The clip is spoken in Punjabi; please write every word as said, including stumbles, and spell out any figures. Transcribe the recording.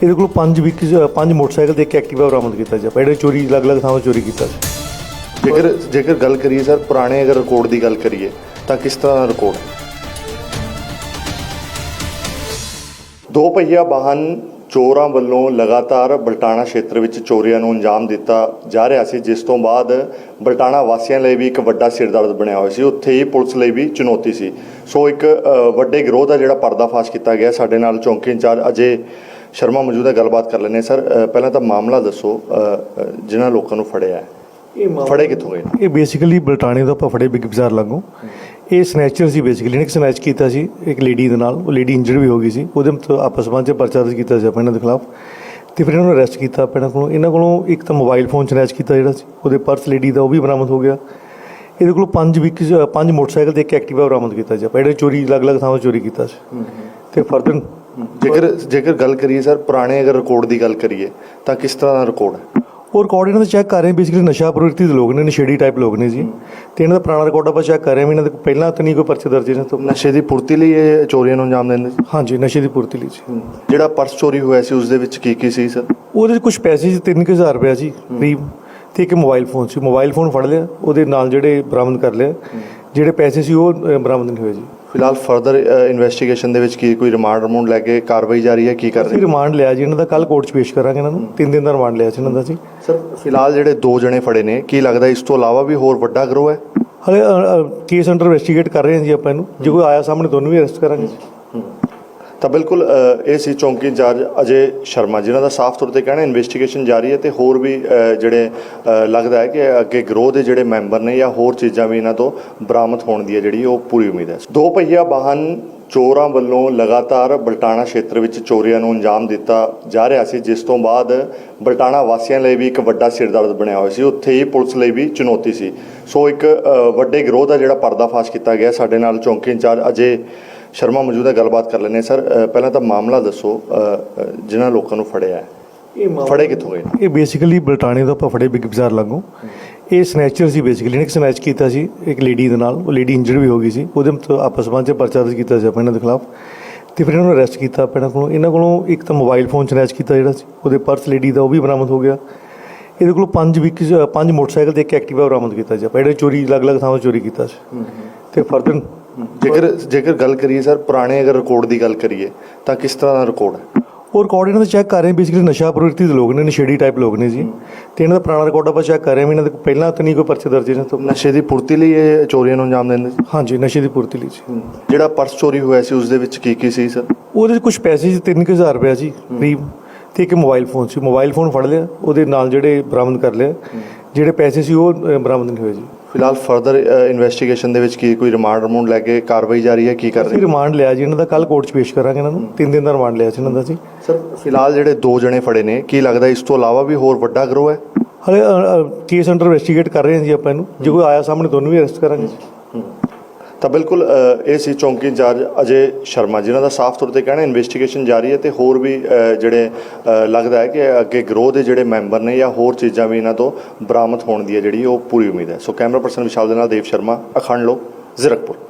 ਇਹਦੇ ਕੋਲ ਪੰਜ ਵੀਕ ਪੰਜ ਮੋਟਰਸਾਈਕਲ ਤੇ ਇੱਕ ਐਕਟਿਵਾ ਬਰਾਮਦ ਕੀਤਾ ਜੀ। ਜਿਹੜੇ ਚੋਰੀ ਅਲੱਗ-ਅਲੱਗ ਥਾਵਾਂ ਚੋਰੀ ਕੀਤਾ ਸੀ। ਜੇਕਰ ਜੇਕਰ ਗੱਲ ਕਰੀਏ ਸਰ ਪੁਰਾਣੇ ਅਗਰ ਰਿਕਾਰਡ ਦੀ ਗੱਲ ਕਰੀਏ ਤਾਂ ਕਿਸ ਤਰ੍ਹਾਂ ਦਾ ਰਿਕਾਰਡ? ਦੋ ਪਹੀਆ ਵਾਹਨ ਚੋਰਾਂ ਵੱਲੋਂ ਲਗਾਤਾਰ ਬਲਟਾਣਾ ਖੇਤਰ ਵਿੱਚ ਚੋਰੀਆਂ ਨੂੰ ਅੰਜਾਮ ਦਿੱਤਾ ਜਾ ਰਿਹਾ ਸੀ, ਜਿਸ ਤੋਂ ਬਾਅਦ ਬਲਟਾਣਾ ਵਾਸੀਆਂ ਲਈ ਵੀ ਇੱਕ ਵੱਡਾ ਸਿਰਦਰਦ ਬਣਿਆ ਹੋਇਆ ਸੀ। ਉੱਥੇ ਹੀ ਪੁਲਿਸ ਲਈ ਵੀ ਚੁਣੌਤੀ ਸੀ। ਸੋ ਇੱਕ ਵੱਡੇ ਗਿਰੋਹ ਦਾ ਜਿਹੜਾ ਪਰਦਾਫਾਸ਼ ਕੀਤਾ ਗਿਆ। ਸਾਡੇ ਨਾਲ ਚੌਂਕੀ ਇੰਚਾਰਜ ਅਜੇ ਸ਼ਰਮਾ ਮੌਜੂਦ ਹੈ, ਗੱਲਬਾਤ ਕਰ ਲੈਂਦੇ ਸਰ। ਪਹਿਲਾਂ ਤਾਂ ਮਾਮਲਾ ਦੱਸੋ, ਜਿਨ੍ਹਾਂ ਲੋਕਾਂ ਨੂੰ ਫੜਿਆ ਹੈ ਇਹ ਫੜੇ ਕਿੱਥੋਂ ਗਏ? ਇਹ ਬੇਸਿਕਲੀ ਬਲਟਾਣੇ ਤੋਂ ਆਪਾਂ ਫੜੇ ਬਿਗ ਬਾਜ਼ਾਰ ਲਾਗੋਂ। ਇਹ ਸਨੈਚਰ ਸੀ ਬੇਸਿਕਲੀ, ਇੱਕ ਸਨੈਚ ਕੀਤਾ ਸੀ ਇੱਕ ਲੇਡੀ ਦੇ ਨਾਲ। ਉਹ ਲੇਡੀ ਇੰਜਰਡ ਵੀ ਹੋ ਗਈ ਸੀ। ਉਹਦੇ ਆਪਸ ਵਿੱਚ ਪਰਚਾ ਦਰਜ ਕੀਤਾ ਸੀ ਆਪਾਂ ਇਹਨਾਂ ਦੇ ਖਿਲਾਫ, ਤੇ ਫਿਰ ਇਹਨਾਂ ਨੂੰ ਅਰੈਸਟ ਕੀਤਾ ਆਪਾਂ ਇਹਨਾਂ ਕੋਲੋਂ। ਇਹਨਾਂ ਕੋਲੋਂ ਇੱਕ ਤਾਂ ਮੋਬਾਈਲ ਫੋਨ ਸਨੈਚ ਕੀਤਾ ਜਿਹੜਾ ਸੀ, ਉਹਦੇ ਪਰਸ ਲੇਡੀ ਦਾ ਉਹ ਵੀ ਬਰਾਮਦ ਹੋ ਗਿਆ। ਇਹਦੇ ਕੋਲ ਪੰਜ ਵੀਕ ਪੰਜ ਮੋਟਰਸਾਈਕਲ ਤੇ ਇੱਕ ਐਕਟਿਵਾ ਬਰਾਮਦ ਕੀਤਾ ਸੀ ਆਪਾਂ, ਜਿਹੜੇ ਚੋਰੀ ਅਲੱਗ-ਅਲੱਗ ਥਾਵਾਂ ਚੋਰੀ ਕੀਤਾ ਸੀ। ਤੇ ਫਰਦਰ ਜੇਕਰ ਜੇਕਰ ਗੱਲ ਕਰੀਏ ਸਰ ਪੁਰਾਣੇ ਅਗਰ ਰਿਕਾਰਡ ਦੀ ਗੱਲ ਕਰੀਏ ਤਾਂ ਕਿਸ ਤਰ੍ਹਾਂ ਦਾ ਰਿਕਾਰਡ ਹੈ? ਉਹ ਰਿਕਾਰਡ ਇਹਨਾਂ ਦਾ ਚੈੱਕ ਕਰ ਰਹੇ ਬੇਸਿਕਲੀ ਨਸ਼ਾ ਪ੍ਰਵਿਰਤੀ ਦੇ ਲੋਕ ਨੇ, ਨਸ਼ੇੜੀ ਟਾਈਪ ਲੋਕ ਨੇ ਜੀ। ਤੇ ਇਹਨਾਂ ਦਾ ਪੁਰਾਣਾ ਰਿਕਾਰਡ ਆਪਾਂ ਚੈੱਕ ਕਰ ਰਹੇ ਹਾਂ। ਇਹਨਾਂ ਦੇ ਪਹਿਲਾਂ ਤਾਂ ਨਹੀਂ ਕੋਈ ਪਰਚੇ ਦਰਜ ਇਹਨਾਂ ਤੋਂ। ਨਸ਼ੇ ਦੀ ਪੂਰਤੀ ਲਈ ਇਹ ਚੋਰੀਆਂ ਨੂੰ ਅੰਜਾਮ ਦਿੰਦੇ ਸੀ? ਹਾਂਜੀ, ਨਸ਼ੇ ਦੀ ਪੂਰਤੀ ਲਈ ਜੀ। ਜਿਹੜਾ ਪਰਸ ਚੋਰੀ ਹੋਇਆ ਸੀ ਉਸ ਦੇ ਵਿੱਚ ਕੀ ਕੀ ਸੀ ਸਰ? ਉਹਦੇ 'ਚ ਕੁਛ ਪੈਸੇ ਸੀ, ਤਿੰਨ ਕੁ ਹਜ਼ਾਰ ਰੁਪਇਆ ਸੀ ਕਰੀਬ, ਤੇ ਇੱਕ ਮੋਬਾਈਲ ਫੋਨ ਸੀ। ਮੋਬਾਈਲ ਫੋਨ ਫੜ ਲਿਆ, ਉਹਦੇ ਨਾਲ ਜਿਹੜੇ ਬਰਾਮਦ ਕਰ ਲਿਆ। ਜਿਹੜੇ ਪੈਸੇ ਸੀ ਉਹ ਬਰਾਮਦ ਨਹੀਂ ਹੋਏ ਜੀ। ਫਿਲਹਾਲ ਫਰਦਰ ਇਨਵੈਸਟੀਗੇਸ਼ਨ ਦੇ ਵਿੱਚ ਕੀ ਕੋਈ ਰਿਮਾਂਡ ਰਿਮੂੰਡ ਲੈ ਕੇ ਕਾਰਵਾਈ ਜਾਰੀ ਹੈ? ਕੀ ਕਰ ਰਹੇ? ਰਿਮਾਂਡ ਲਿਆ ਜੀ ਇਹਨਾਂ ਦਾ, ਕੱਲ ਕੋਰਟ 'ਚ ਪੇਸ਼ ਕਰਾਂਗੇ ਇਹਨਾਂ ਨੂੰ। ਤਿੰਨ ਦਿਨ ਦਾ ਰਿਮਾਂਡ ਲਿਆ ਸੀ ਇਹਨਾਂ ਦਾ ਜੀ। ਸਰ ਫਿਲਹਾਲ ਜਿਹੜੇ ਦੋ ਜਣੇ ਫੜੇ ਨੇ, ਕੀ ਲੱਗਦਾ ਇਸ ਤੋਂ ਇਲਾਵਾ ਵੀ ਹੋਰ ਵੱਡਾ ਗਰੋਹ ਹੈ? ਹਲੇ ਕੇਸ ਅੰਡਰ ਇਨਵੈਸਟੀਗੇਟ ਕਰ ਰਹੇ ਹਾਂ ਜੀ ਆਪਾਂ ਇਹਨੂੰ। ਜੇ ਕੋਈ ਆਇਆ ਸਾਹਮਣੇ ਤੁਹਾਨੂੰ ਵੀ ਅਰੈਸਟ ਕਰਾਂਗੇ ਜੀ। ਤਾਂ ਬਿਲਕੁਲ ਇਹ ਸੀ ਚੌਂਕੀ ਇੰਚਾਰਜ ਅਜੇ ਸ਼ਰਮਾ, ਜਿਨ੍ਹਾਂ ਦਾ ਸਾਫ਼ ਤੌਰ 'ਤੇ ਕਹਿਣਾ ਇਨਵੈਸਟੀਗੇਸ਼ਨ ਜਾਰੀ ਹੈ, ਤੇ ਹੋਰ ਵੀ ਜਿਹੜੇ ਲੱਗਦਾ ਹੈ ਕਿ ਅੱਗੇ ਗਰੋਹ ਦੇ ਜਿਹੜੇ ਮੈਂਬਰ ਨੇ ਜਾਂ ਹੋਰ ਚੀਜ਼ਾਂ ਵੀ ਇਹਨਾਂ ਤੋਂ ਬਰਾਮਦ ਹੋਣ ਦੀ ਹੈ ਜਿਹੜੀ ਉਹ ਪੂਰੀ ਉਮੀਦ ਹੈ। ਦੋ ਪਹੀਆ ਵਾਹਨ ਚੋਰਾਂ ਵੱਲੋਂ ਲਗਾਤਾਰ ਬਲਟਾਣਾ ਖੇਤਰ ਵਿੱਚ ਚੋਰੀਆਂ ਨੂੰ ਅੰਜਾਮ ਦਿੱਤਾ ਜਾ ਰਿਹਾ ਸੀ, ਜਿਸ ਤੋਂ ਬਾਅਦ ਬਲਟਾਣਾ ਵਾਸੀਆਂ ਲਈ ਵੀ ਇੱਕ ਵੱਡਾ ਸਿਰਦਰਦ ਬਣਿਆ ਹੋਇਆ ਸੀ। ਉੱਥੇ ਹੀ ਪੁਲਿਸ ਲਈ ਵੀ ਚੁਣੌਤੀ ਸੀ। ਸੋ ਇੱਕ ਵੱਡੇ ਗਿਰੋਹ ਦਾ ਜਿਹੜਾ ਪਰਦਾਫਾਸ਼ ਕੀਤਾ ਗਿਆ। ਸਾਡੇ ਨਾਲ ਚੌਂਕੀ ਇੰਚਾਰਜ ਅਜੇ ਸ਼ਰਮਾ ਮੌਜੂਦ ਹੈ, ਗੱਲਬਾਤ ਕਰ ਲੈਂਦੇ ਸਰ। ਪਹਿਲਾਂ ਤਾਂ ਮਾਮਲਾ ਦੱਸੋ, ਜਿਨ੍ਹਾਂ ਲੋਕਾਂ ਨੂੰ ਫੜਿਆ ਹੈ ਇਹ ਫੜੇ ਕਿੱਥੋਂ ਗਏ? ਇਹ ਬੇਸਿਕਲੀ ਬਲਟਾਣੇ ਤੋਂ ਆਪਾਂ ਫੜੇ ਬਿਗ ਬਾਜ਼ਾਰ ਲਾਗੋਂ। ਇਹ ਸਨੈਚਰ ਸੀ ਬੇਸਿਕਲੀ, ਇੱਕ ਸਨੈਚ ਕੀਤਾ ਸੀ ਇੱਕ ਲੇਡੀ ਦੇ ਨਾਲ। ਉਹ ਲੇਡੀ ਇੰਜਰਡ ਵੀ ਹੋ ਗਈ ਸੀ। ਉਹਦੇ ਆਪਸ ਵਿੱਚ ਪਰਚਾ ਦਰਜ ਕੀਤਾ ਸੀ ਆਪਾਂ ਇਹਨਾਂ ਦੇ ਖਿਲਾਫ, ਤੇ ਫਿਰ ਇਹਨਾਂ ਨੂੰ ਅਰੈਸਟ ਕੀਤਾ ਆਪਾਂ ਇਹਨਾਂ ਕੋਲੋਂ। ਇਹਨਾਂ ਕੋਲੋਂ ਇੱਕ ਤਾਂ ਮੋਬਾਈਲ ਫੋਨ ਸਨੈਚ ਕੀਤਾ ਜਿਹੜਾ ਸੀ, ਉਹਦੇ ਪਰਸ ਲੇਡੀ ਦਾ ਉਹ ਵੀ ਬਰਾਮਦ ਹੋ ਗਿਆ। ਇਹਦੇ ਕੋਲ ਪੰਜ ਵੀਕ ਪੰਜ ਮੋਟਰਸਾਈਕਲ ਤੇ ਇੱਕ ਐਕਟਿਵਾ ਬਰਾਮਦ ਕੀਤਾ ਸੀ ਆਪਾਂ, ਜਿਹੜੇ ਚੋਰੀ ਅਲੱਗ-ਅਲੱਗ ਥਾਵਾਂ ਚੋਰੀ ਕੀਤਾ ਸੀ। ਤੇ ਫਰਦਰ ਜੇਕਰ ਜੇਕਰ ਗੱਲ ਕਰੀਏ ਸਰ ਪੁਰਾਣੇ ਅਗਰ ਰਿਕਾਰਡ ਦੀ ਗੱਲ ਕਰੀਏ ਤਾਂ ਕਿਸ ਤਰ੍ਹਾਂ ਦਾ ਰਿਕਾਰਡ ਹੈ? ਉਹ ਰਿਕਾਰਡ ਇਹਨਾਂ ਦਾ ਚੈੱਕ ਕਰ ਰਹੇ ਬੇਸਿਕਲੀ ਨਸ਼ਾ ਪ੍ਰਵਿਰਤੀ ਦੇ ਲੋਕ ਨੇ, ਨਸ਼ੇੜੀ ਟਾਈਪ ਲੋਕ ਨੇ ਜੀ। ਤੇ ਇਹਨਾਂ ਦਾ ਪੁਰਾਣਾ ਰਿਕਾਰਡ ਆਪਾਂ ਚੈੱਕ ਕਰ ਰਹੇ ਹਾਂ। ਇਹਨਾਂ ਦੇ ਪਹਿਲਾਂ ਤਾਂ ਨਹੀਂ ਕੋਈ ਪਰਚੇ ਦਰਜ ਇਹਨਾਂ ਤੋਂ। ਨਸ਼ੇ ਦੀ ਪੂਰਤੀ ਲਈ ਇਹ ਚੋਰੀਆਂ ਨੂੰ ਅੰਜਾਮ ਦਿੰਦੇ ਸੀ? ਹਾਂਜੀ, ਨਸ਼ੇ ਦੀ ਪੂਰਤੀ ਲਈ ਜੀ। ਜਿਹੜਾ ਪਰਸ ਚੋਰੀ ਹੋਇਆ ਸੀ ਉਸ ਦੇ ਵਿੱਚ ਕੀ ਕੀ ਸੀ ਸਰ? ਉਹਦੇ 'ਚ ਕੁਛ ਪੈਸੇ ਸੀ, ਤਿੰਨ ਕੁ ਹਜ਼ਾਰ ਰੁਪਇਆ ਸੀ ਕਰੀਬ, ਤੇ ਇੱਕ ਮੋਬਾਈਲ ਫੋਨ ਸੀ। ਮੋਬਾਈਲ ਫੋਨ ਫੜ ਲਿਆ, ਉਹਦੇ ਨਾਲ ਜਿਹੜੇ ਬਰਾਮਦ ਕਰ ਲਿਆ। ਜਿਹੜੇ ਪੈਸੇ ਸੀ ਉਹ ਬਰਾਮਦ ਨਹੀਂ ਹੋਏ ਜੀ। ਫਿਲਹਾਲ ਫਰਦਰ ਇਨਵੈਸਟੀਗੇਸ਼ਨ ਦੇ ਵਿੱਚ ਕੀ ਕੋਈ ਰਿਮਾਂਡ ਰਿਮੂੰਡ ਲੈ ਕੇ ਕਾਰਵਾਈ ਜਾਰੀ ਹੈ? ਕੀ ਕਰ ਰਹੇ? ਰਿਮਾਂਡ ਲਿਆ ਜੀ ਇਹਨਾਂ ਦਾ, ਕੱਲ ਕੋਰਟ 'ਚ ਪੇਸ਼ ਕਰਾਂਗੇ ਇਹਨਾਂ ਨੂੰ। ਤਿੰਨ ਦਿਨ ਦਾ ਰਿਮਾਂਡ ਲਿਆ ਸੀ ਇਹਨਾਂ ਦਾ ਜੀ। ਸਰ ਫਿਲਹਾਲ ਜਿਹੜੇ ਦੋ ਜਣੇ ਫੜੇ ਨੇ, ਕੀ ਲੱਗਦਾ ਇਸ ਤੋਂ ਇਲਾਵਾ ਵੀ ਹੋਰ ਵੱਡਾ ਗਰੋਹ ਹੈ? ਹਲੇ ਕੇਸ ਅੰਡਰ ਇਨਵੈਸਟੀਗੇਟ ਕਰ ਰਹੇ ਹਾਂ ਜੀ ਆਪਾਂ ਇਹਨੂੰ। ਜੇ ਕੋਈ ਆਇਆ ਸਾਹਮਣੇ ਤੁਹਾਨੂੰ ਵੀ ਅਰੈਸਟ ਕਰਾਂਗੇ ਜੀ। ਤਾਂ ਬਿਲਕੁਲ ਇਹ ਸੀ ਚੌਂਕੀ ਇੰਚਾਰਜ ਅਜੇ ਸ਼ਰਮਾ, ਜਿਨ੍ਹਾਂ ਦਾ ਸਾਫ਼ ਤੌਰ 'ਤੇ ਕਹਿਣਾ ਇਨਵੈਸਟੀਗੇਸ਼ਨ ਜਾਰੀ ਹੈ, ਤੇ ਹੋਰ ਵੀ ਜਿਹੜੇ ਲੱਗਦਾ ਹੈ ਕਿ ਅੱਗੇ ਗਰੋਹ ਦੇ ਜਿਹੜੇ ਮੈਂਬਰ ਨੇ ਜਾਂ ਹੋਰ ਚੀਜ਼ਾਂ ਵੀ ਇਹਨਾਂ ਤੋਂ ਬਰਾਮਦ ਹੋਣ ਦੀ ਹੈ ਜਿਹੜੀ ਉਹ ਪੂਰੀ ਉਮੀਦ ਹੈ। ਸੋ ਕੈਮਰਾ ਪਰਸਨ ਵਿਸ਼ਾਲ ਦੇ ਨਾਲ ਦੇਵ ਸ਼ਰਮਾ, ਅਖੰਡ ਲੋਕ, ਜ਼ੀਰਕਪੁਰ।